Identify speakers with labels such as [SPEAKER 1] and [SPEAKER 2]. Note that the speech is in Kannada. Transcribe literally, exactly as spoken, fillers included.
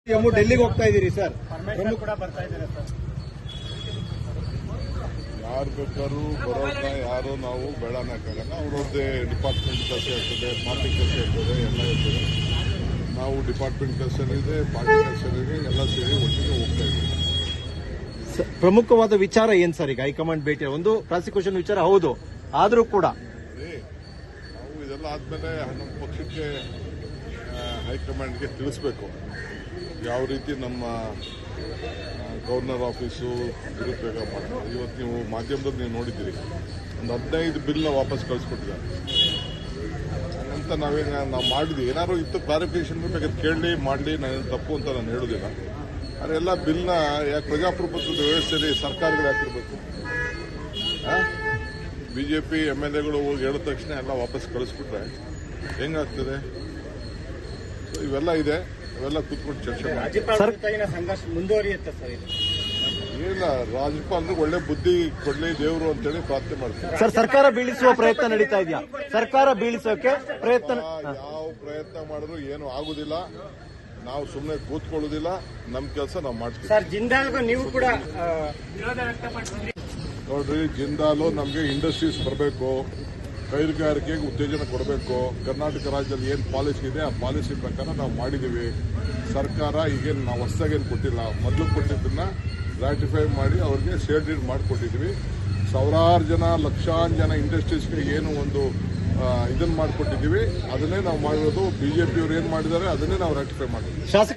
[SPEAKER 1] ಎಮ್ಮು ಡೆಲ್ಲಿಗೆ ಹೋಗ್ತಾ ಇದ್ದೀರಿ ಸರ್,
[SPEAKER 2] ಪರಮೇಶ್ವರ್ ಕೂಡ ಬರ್ತಾ ಇದ್ದಾರೆ ಸರ್.
[SPEAKER 3] ಯಾರು ಬೇಕಾದ್ರೂ ಬರೋದನ್ನ ಯಾರು ನಾವು ಬೆಳನಕ್ಕಾಗಲ್ಲ. ಅವ್ರದ್ದೇ ಡಿಪಾರ್ಟ್ಮೆಂಟ್ ಕೆಲಸ ಇರ್ತದೆ, ಪಾರ್ಟಿ ಕೆಲಸ ಇರ್ತದೆ, ಎಲ್ಲ ಇರ್ತದೆ. ನಾವು ಡಿಪಾರ್ಟ್ಮೆಂಟ್ ಕೆಲಸ ಇದೆ, ಪಾರ್ಟಿ ಕೆಲಸ ಇದೆ, ಎಲ್ಲ ಸೇರಿ ಒಟ್ಟಿಗೆ ಹೋಗ್ತಾ ಇದ್ದೀವಿ.
[SPEAKER 1] ಪ್ರಮುಖವಾದ ವಿಚಾರ ಏನ್ ಸರ್ ಈಗ ಹೈಕಮಾಂಡ್ ಭೇಟಿ? ಒಂದು ಪ್ರಾಸಿಕ್ಯೂಷನ್ ವಿಚಾರ ಹೌದು, ಆದ್ರೂ ಕೂಡ
[SPEAKER 3] ನಾವು ಇದೆಲ್ಲ ಆದ್ಮೇಲೆ ನಮ್ಮ ಪಕ್ಷಕ್ಕೆ ಹೈಕಮಾಂಡ್ಗೆ ತಿಳಿಸ್ಬೇಕು ಯಾವ ರೀತಿ ನಮ್ಮ ಗವರ್ನರ್ ಆಫೀಸು ದುರುಪಯೋಗ ಮಾಡ್ತಾರೆ. ಇವತ್ತು ನೀವು ಮಾಧ್ಯಮದಲ್ಲಿ ನೀವು ನೋಡಿದ್ದೀರಿ, ಒಂದು ಹದಿನೈದು ಬಿಲ್ನ ವಾಪಸ್ ಕಳಿಸ್ಕೊಟ್ಟಿದ್ದಾರೆ ಅಂತ. ನಾವೇನು ನಾವು ಮಾಡಿದ್ವಿ, ಏನಾದ್ರು ಇತ್ತು ಕ್ಲಾರಿಫಿಕೇಶನ್ ಬೇಕಾದ್ರೆ ಕೇಳಲಿ ಮಾಡಲಿ, ನಾನು ತಪ್ಪು ಅಂತ ನಾನು ಹೇಳೋದಿಲ್ಲ. ಆದರೆ ಎಲ್ಲ ಬಿಲ್ನ ಯಾಕೆ ಪ್ರಜಾಪ್ರಭುತ್ವದ ವ್ಯವಸ್ಥೆಯಲ್ಲಿ ಸರ್ಕಾರಗಳು ಹಾಕಿರ್ಬೇಕು? ಬಿಜೆಪಿ ಎಮ್ ಎಲ್ ಎಗಳು ಹೋಗಿ ಹೇಳಿದ ತಕ್ಷಣ ಎಲ್ಲ ವಾಪಸ್ ಕಳಿಸ್ಬಿಟ್ರೆ ಹೆಂಗಾಗ್ತದೆ? ಇವೆಲ್ಲ ಇದೆ, ಇವೆಲ್ಲ ಕೂತ್ಕೊಂಡು ಚರ್ಚೆ ಮಾಡಿ.
[SPEAKER 2] ಸಂಘರ್ಷ ಮುಂದುವರಿಯುತ್ತೆ ಸರ್.
[SPEAKER 3] ಏನಿಲ್ಲ, ರಾಜ್ಯಪಾಲರಿಗೆ ಒಳ್ಳೆ ಬುದ್ಧಿ ಕೊಡ್ಲಿ ದೇವರು ಅಂತೇಳಿ ಪ್ರಾರ್ಥನೆ ಮಾಡ್ತೀವಿ.
[SPEAKER 1] ಸರ್, ಸರ್ಕಾರ ಬೀಳಿಸುವ ಪ್ರಯತ್ನ ನಡೀತಾ ಇದೆಯಾ? ಸರ್ಕಾರ ಬೀಳಿಸೋಕೆ ಪ್ರಯತ್ನ
[SPEAKER 3] ಯಾವ ಪ್ರಯತ್ನ ಮಾಡಿದ್ರು ಏನು ಆಗುದಿಲ್ಲ. ನಾವು ಸುಮ್ಮನೆ ಕೂತ್ಕೊಳ್ಳೋದಿಲ್ಲ, ನಮ್ಮ ಕೆಲಸ ನಾವು ಮಾಡ್ತೀವಿ.
[SPEAKER 2] ಸರ್, ಜಿಂದಾಲ್ಗೂ ನೀವು ಕೂಡ ವಿರೋಧ ವ್ಯಕ್ತಪಡಿಸಿದ್ರಿ.
[SPEAKER 3] ನೋಡ್ರಿ, ಜಿಂದಾಲು ನಮಗೆ ಇಂಡಸ್ಟ್ರೀಸ್ ಬರಬೇಕು, ಕೈಗಾರಿಕೆಗೆ ಉತ್ತೇಜನ ಕೊಡಬೇಕು. ಕರ್ನಾಟಕ ರಾಜ್ಯದಲ್ಲಿ ಏನು ಪಾಲಿಸಿ ಇದೆ ಆ ಪಾಲಿಸಿ ಪ್ರಕಾರ ನಾವು ಮಾಡಿದ್ದೀವಿ. ಸರ್ಕಾರ ಈಗೇನು ನಾವು ಹೊಸದಾಗೇನು ಕೊಟ್ಟಿಲ್ಲ, ಮೊದಲು ಕೊಟ್ಟಿದ್ದನ್ನ ರಾಟಿಫೈ ಮಾಡಿ ಅವ್ರಿಗೆ ಶೇರ್ ಡೀಡ್ ಮಾಡಿಕೊಟ್ಟಿದ್ವಿ. ಸಾವಿರಾರು ಜನ, ಲಕ್ಷಾಂತರ ಜನ ಇಂಡಸ್ಟ್ರೀಸ್ಗೆ ಏನು ಒಂದು ಇದನ್ನು ಮಾಡಿಕೊಟ್ಟಿದ್ದೀವಿ. ಅದನ್ನೇ ನಾವು ಮಾಡಿರೋದು. ಬಿಜೆಪಿಯವರು ಏನು ಮಾಡಿದ್ದಾರೆ ಅದನ್ನೇ ನಾವು ರಾಟಿಫೈ ಮಾಡಿದ್ವಿ.